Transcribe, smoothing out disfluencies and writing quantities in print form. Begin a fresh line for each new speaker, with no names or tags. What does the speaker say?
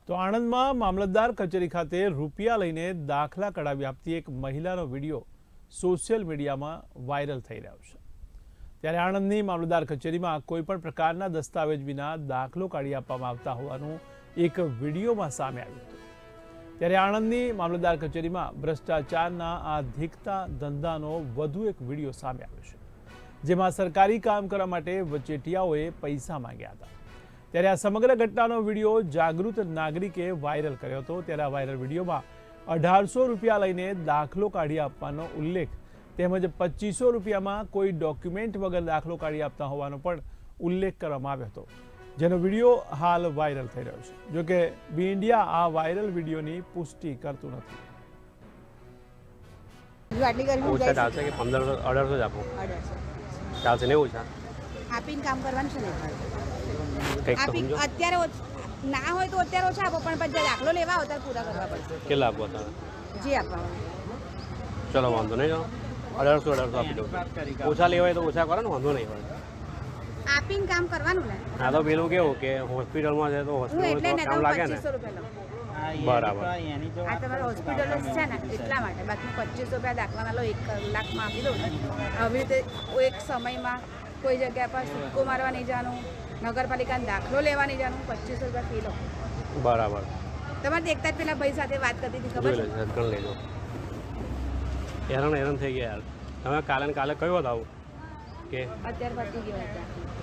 તો આણંદમાં મામલતદાર કચેરી ખાતે રૂપિયા લઈને દાખલા કઢાવી આપતી એક મહિલાનો વિડીયો સોશિયલ મીડિયામાં વાયરલ થઈ રહ્યો છે। ત્યારે આણંદની મામલતદાર કચેરીમાં કોઈપણ પ્રકારના દસ્તાવેજ વિના દાખલો કાઢી આપવામાં આવતા હોવાનું એક વિડીયોમાં સામે આવ્યું હતું। ત્યારે આણંદની મામલતદાર કચેરીમાં ભ્રષ્ટાચારના આ ધીકતા ધંધાનો વધુ એક વિડીયો સામે આવ્યો છે, જેમાં સરકારી કામ કરવા માટે વચેટિયાઓએ પૈસા માંગ્યા હતા। ત્યારે આ સમગ્ર ઘટનાનો વિડીયો જાગૃત નાગરિકે વાયરલ કર્યો હતો। ત્યારે આ વાયરલ વિડીયોમાં 1800 રૂપિયા લઈને દાખલો કાઢી આપવાનો ઉલ્લેખ તેમજ 2500 રૂપિયામાં કોઈ ડોક્યુમેન્ટ વગર દાખલો કાઢી આપતા હોવાનો પણ ઉલ્લેખ કરવામાં આવ્યો હતો, જેનો વિડીયો હાલ વાયરલ થઈ રહ્યો છે। જોકે બી ઇન્ડિયા આ વાયરલ વિડીયોની પુષ્ટિ કરતું નથી।
ઓછા ચાલશે કે 1500 જ આપો? 1800 ચાલશે ને? ઓછા
આપીને કામ કરવાનું છે ને?
કંઈક તો
આપી
સમજો।
અત્યારે ના હોય તો અત્યારે ઓછા આપો, પણ પછી દાખલો લેવા હોય ત્યારે પૂરા કરવા પડશે।
કેટલા આપો તમે?
જે આપવાનું।
ચલો વાંધો નહીં, ચલો 1800 આપી દઉં। ઓછા લેવા હોય તો ઓછા કરો ને, વાંધો નહીં હોય।
આપીને કામ કરવાનું ને?
આ તો પેલું કેવું કે હોસ્પિટલમાં છે તો
હું એટલે
હોસ્પિટલમાં
ને
કામ
તો
લાગે ને।
2500 રૂપિયા લઉં।
બરાબર।
આ તમારે હોસ્પિટલ છે ને એટલા માટે, બાકી 2500 રૂપિયા દાખલાના લો 1 કલાકમાં આપી દઉં ને। આવી રીતે એક સમયમાં કોઈ જગ્યા પર સિક્કો મારવા નહીં જવાનું, નગરપાલિકાનો દાખલો લેવા નહીં જવાનું, 2500 રૂપિયા ફી લો।
બરાબર।
તમારે દેખતા જ પેલા ભાઈ સાથે વાત કરતી હતી, ખબર
જોઈ
છે?
લેજો, ગણ લેજો। હેરાન થઈ ગયા યાર। તમે કાલે ને કાલે કયો હતો આવું કે
અત્યારે પતી ગયો હતા।